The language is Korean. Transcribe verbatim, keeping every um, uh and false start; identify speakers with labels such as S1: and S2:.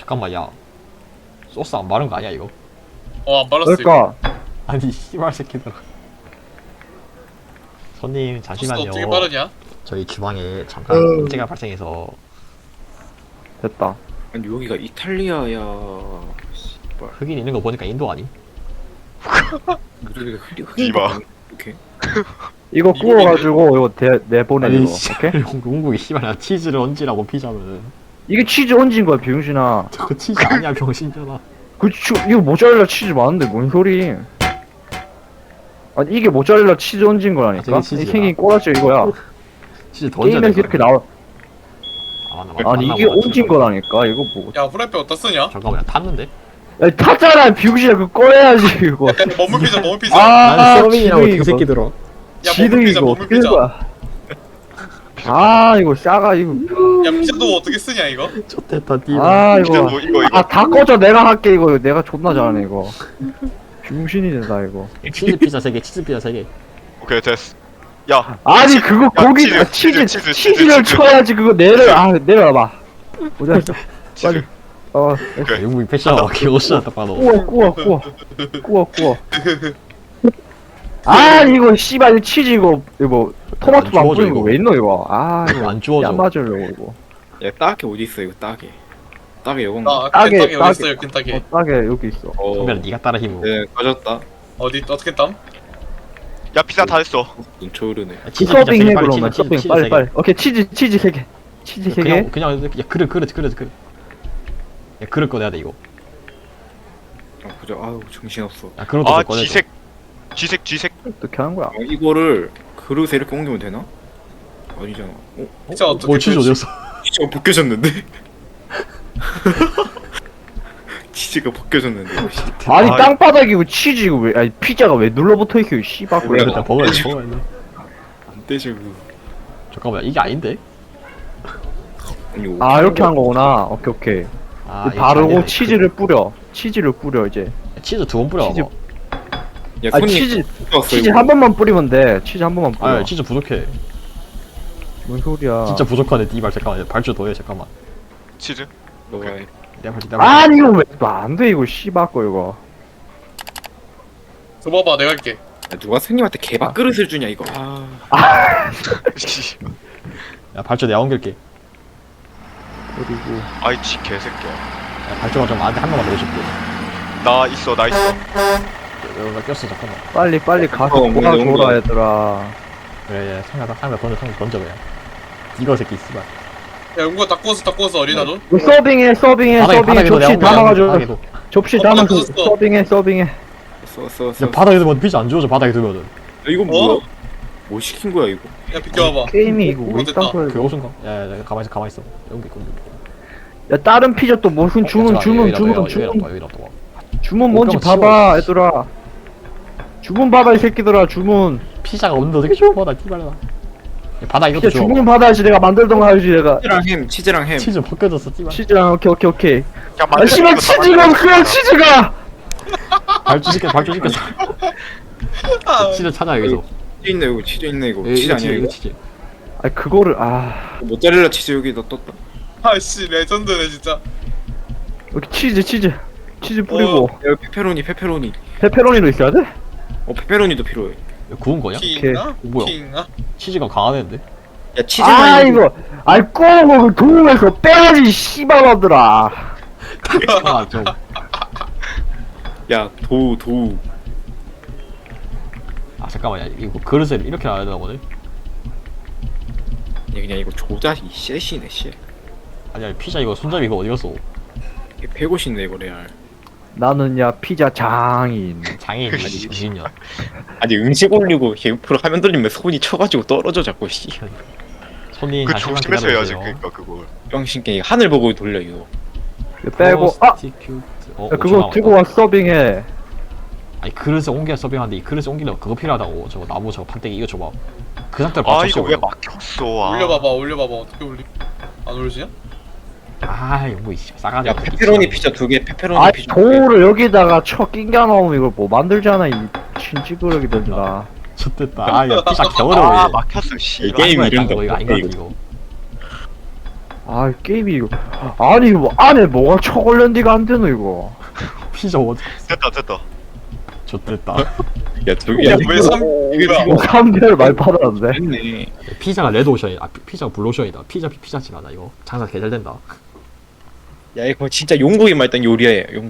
S1: 잠깐만 야 소스 안 바른 거 아니야 이거?
S2: 어, 안 발랐어.
S3: 그러니까
S1: 아니 씨발 새끼들. 손님
S2: 소스
S1: 잠시만요.
S2: 어떻게 바르냐?
S1: 저희 주방에 잠깐
S3: 어.
S1: 문제가 발생해서.
S3: 됐다.
S4: 아니 여기가 이탈리아야. 씨발.
S1: 흑인 있는 거 보니까 인도 아니?
S4: 우리가 흑인
S5: 이봐.
S4: 이렇게.
S3: 이거 구워가지고 이거 대, 내보내 이거.
S1: 씨발
S3: 오케이?
S1: 영국이 씨발 나 치즈를 얹으라고 피자면은
S3: 이게 치즈 얹은 거야 병신아.
S1: 저거 치즈 아니야 병신잖아.
S3: 그 치, 이거 모짜렐라 치즈 많은데 뭔 소리? 아니 이게 모짜렐라 치즈 얹은 거라니까.
S1: 저게 치즈야.
S3: 이 생긴 꼬라지 이거야.
S1: 치즈 더 얹어야
S3: 게임에서
S1: 돼.
S3: 이렇게 나와.
S1: 아, 맞나, 맞나,
S3: 아니
S1: 맞나,
S3: 이게
S1: 맞나,
S3: 얹은
S1: 맞나.
S3: 거라니까. 이거 뭐?
S2: 야, 후라이팬 어디다 쓰냐?
S1: 잠깐만 탔는데?
S3: 야 탔잖아 병신아. 그거 꺼야지 이거.
S2: 야, 머물 피자, 머물 피자.
S3: 아,
S1: 나는 서빙이라고
S3: 지금
S1: 이
S3: 이거.
S1: 새끼들어.
S2: 야,
S3: 지드
S2: 머물 피자,
S3: 이거
S2: 머물
S3: 어떻게 된
S2: 피자.
S3: 거야? 아 이거 싸가 이거.
S2: 야, 피자도 어떻게 쓰냐, 이거?
S1: 좋댔다 띠.
S3: 아
S5: 이거
S3: 이거.
S5: 뭐 이거 이거
S3: 아 다 꺼져. 내가 할게 이거. 내가 존나 잘하네 이거. 병신이 된다 이거.
S1: 치즈 피자 세 개, 치즈 피자 세 개.
S5: 오케이 됐어. 야
S3: 아니 그거 고기
S5: 치즈,
S3: 아, 치즈
S5: 치즈, 치즈,
S3: 치즈를
S5: 치즈.
S3: 쳐야지 그거 내려 아 내려봐. 보자.
S5: 치즈.
S3: 어
S5: 오케이.
S1: 영국이 패션 개오시다 봐도.
S3: 구워 구워 구워 구워 구워. 아 이거 씨발 이거 치즈 이거 이거 토마토 안
S1: 주워줘,
S3: 뿌린 거
S1: 이거.
S3: 왜 있노 이거. 아 이거
S1: 안 주워져.
S3: 안 맞으려고 이거.
S4: 야 따게 어디 있어 이거 따게. 따게 요건가?
S2: 나
S3: 따게,
S2: 켄타키
S3: 따게.
S2: 어디 있어요, 켄타키?
S3: 어 싸게 여기 있어.
S4: 어.
S1: 선배는 네가 따라 힘으로.
S4: 네 꺼졌다.
S2: 어디 어떻게 땀?
S5: 야 피자 다 됐어.
S4: 눈초 흐르네.
S1: 치즈 피자 세
S3: 서빙
S1: 개,
S3: 해
S1: 빨리
S3: 그러면
S1: 치즈,
S3: 서빙
S1: 치즈
S3: 빨리
S1: 세 개.
S3: 빨리. 오케이 치즈 치즈 세 개. 치즈 세 개.
S1: 그냥 그냥 야 그릇 그릇 그릇 그릇. 야 그릇 꺼내야 돼 이거.
S4: 아 보자. 아우 정신 없어.
S1: 야 그릇도
S5: 아
S1: 꺼내.
S5: 쥐색 쥐색 쥐색.
S3: 어떻게 하는 거야?
S4: 어, 이거를 그릇에 이렇게 옮기면 되나? 아니잖아. 어?
S2: 피자 어떻게
S1: 뭐 치즈
S2: 그릇이-
S1: 어디였어?
S4: 치즈가 벗겨졌는데? 치즈가 벗겨졌는데. 이거 씨.
S3: 아니
S5: 아,
S3: 땅바닥이고 치즈 이거 왜 아니 피자가 왜 눌러붙어 있어 이 씨발
S4: 몰라.
S3: 거.
S1: 일단 먹어야 돼 먹어야 돼.
S4: 안 되죠 그거.
S1: 잠깐만 이게 아닌데?
S4: 아니,
S3: 아 이렇게 한 거구나. 오케이 오케이.
S1: 아
S3: 그
S1: 이게
S3: 바르고
S1: 아니네.
S3: 치즈를 뿌려. 치즈를 뿌려 이제.
S1: 그- 치즈 두 번 뿌려.
S3: 치즈-
S1: 봐.
S4: 야
S3: 아
S4: 손이
S3: 치즈
S4: 왔어,
S3: 치즈
S4: 이거.
S3: 한 번만 뿌리면 돼. 치즈 한 번만 뿌려.
S1: 아 치즈 부족해.
S3: 뭔 소리야?
S1: 진짜 부족하네 띠발 잠깐만 발주 더해 잠깐만.
S5: 치즈.
S4: 너가 해.
S1: 내가 발주 내가 발주.
S3: 아니 이거 왜안돼 이거 씨발 거 이거.
S2: 줘봐봐, 내가 할게.
S4: 야, 누가 손님한테 개밥 그릇을 주냐 이거. 아.
S5: 씨.
S1: 야 발주 내가 옮길게.
S3: 그리고
S5: 아이 지 개새끼야.
S1: 야 발주가 좀 안돼 한 번만 더 해줄게.
S5: 나 있어 나 있어.
S1: 여기가 꼈어 잠깐만.
S3: 빨리 빨리 가서
S4: 어, 뭔가 너무
S3: 꼬아줘라
S4: 좋아.
S3: 얘들아.
S1: 그래 상하다 상하 던져 던져 던져 그냥. 이거 새끼 씨발.
S2: 야, 용구야, 다 구워서, 다 구워서 어디다 줘?
S3: 이거 서빙해 서빙해
S1: 바닥에
S3: 서빙해
S1: 바닥에도 내가
S3: 접시
S1: 옮겨,
S3: 담아가지고
S1: 바닥에도.
S3: 접시
S2: 어,
S3: 담아서
S2: 바닥에 줬어.
S3: 서빙해 서빙해.
S4: 써써 써.
S1: 야 바닥에 두면 피자 안 주워져 바닥에 두면은.
S4: 이거 뭐야? 뭐 시킨 거야 이거?
S2: 야, 비켜봐봐.
S3: 게임이 이거 왜
S2: 됐다.
S3: 있단 거야
S1: 그
S3: 이거.
S1: 옷인가? 야야 가만히 있어 가만히 있어. 여기 있고.
S3: 야 다른 피자 또 무슨 주문 주문 주문
S1: 여기다
S3: 주문
S1: 또 여기다 또.
S3: 주문 뭔지
S1: 옷 가만
S3: 봐봐 얘들아. 주문 봐봐 이 새끼들아 주문.
S1: 피자가 없는데 어떻게 주워 받아 띠발라. 바닥 이것도
S3: 진짜
S1: 주워.
S3: 주문 받아야지 내가 만들던 거 하지 내가.
S4: 치즈랑 햄, 치즈랑 햄.
S1: 치즈 벗겨졌어 띠발.
S3: 치즈랑 오케이 오케이 오케이.
S5: 야
S3: 아
S5: 만들
S3: 씨발 치즈가 그냥 치즈가.
S1: 발주 시켜 발주 시켜.
S2: 아,
S1: 치즈 찾아 여기서.
S4: 치즈 있네 이거. 치즈 있네 이거.
S1: 이거
S4: 치즈 아니야
S1: 이거
S4: 이거?
S1: 치즈.
S3: 아 그거를 아
S4: 모짜렐라 치즈 여기다 떴다.
S2: 아씨, 레전드네, 진짜.
S3: 여기 치즈 치즈 치즈 뿌리고
S2: 어.
S4: 야 페페로니 페페로니.
S3: 페페로니도 있어야 돼?
S4: 어 페페로니도 필요해.
S1: 이거 구운 거냐?
S2: 킹아?
S1: 뭐야?
S2: 킹아?
S1: 치즈가 강하는데?
S4: 야 치즈만
S3: 아
S4: 이거-
S3: 이거 아이 꼬고 도움에서 빼야지 씨발아들아.
S1: 아 좀.
S4: 야 도우 도우.
S1: 아 잠깐만 야 이거 그릇을 이렇게 놔야 되나 보네?
S4: 야 그냥 이거 조작이 셋이네 셋.
S1: 아니야 피자 이거 손잡이 이거 어디 갔어?
S4: 백오십네 이거 레알.
S3: 나는 야 피자 장인.
S1: 장애인 아니 미친년.
S4: 아니 음식 올리고 옆으로 화면 돌리면 손이 쳐가지고 떨어져 자꾸 씨.
S1: 손님
S5: 그
S1: 잠시만
S5: 조심해서 해야지
S1: 기다려주세요.
S5: 그니까 그걸.
S4: 병신게 하늘 보고 돌려 이거.
S3: 이거 빼고 아
S1: 프로스티큐트. 어,
S3: 야,
S1: 오 초
S3: 그거
S1: 남았다.
S3: 들고 와 서빙해.
S1: 아니 그릇에 옮겨 서빙하는데 이 그릇에 옮기려면 그거 필요하다고. 저거 나무 저거 판때기 이거 줘봐. 그 상태로
S5: 아
S1: 받쳐
S5: 이거
S1: 씌워.
S5: 왜 막혔어? 아.
S2: 올려봐봐, 올려봐봐. 어떻게 올리? 안 올리지냐?
S1: 아 이거 뭐 이씨 싸가지
S4: 야
S1: 없는
S4: 페페로니
S1: 새끼.
S4: 피자 두 개, 페페로니
S3: 아
S4: 피자 두 개.
S3: 돌을 여기다가 쳐 낑겨 넣으면 이걸 뭐 만들잖아 이 신찌그러기들아.
S1: 좋됐다. 아야 피자 겨울에
S5: 아 막혔어 씨.
S4: 이 게임
S1: 이거
S4: 이름도
S1: 이거 아닌 거 같아 이거.
S3: 아 게임이 이거 아니 뭐 안에 뭐가 초콜릿이가 안 되노 이거.
S1: 피자 어디
S5: 됐다 됐다.
S1: 좋됐다.
S4: 야 저기
S2: 야, 왜 삼-
S4: 이게
S2: 뭐야?
S4: 지금
S3: 삼 개를 많이 팔았는데.
S4: 됐네.
S1: 피자가 레드오션이다. 아, 피- 피자가 블루오션이다. 피자 피 피자집 하나 이거 장사 개잘된다.
S4: 야 이거 진짜 용국에만 있던 요리야 용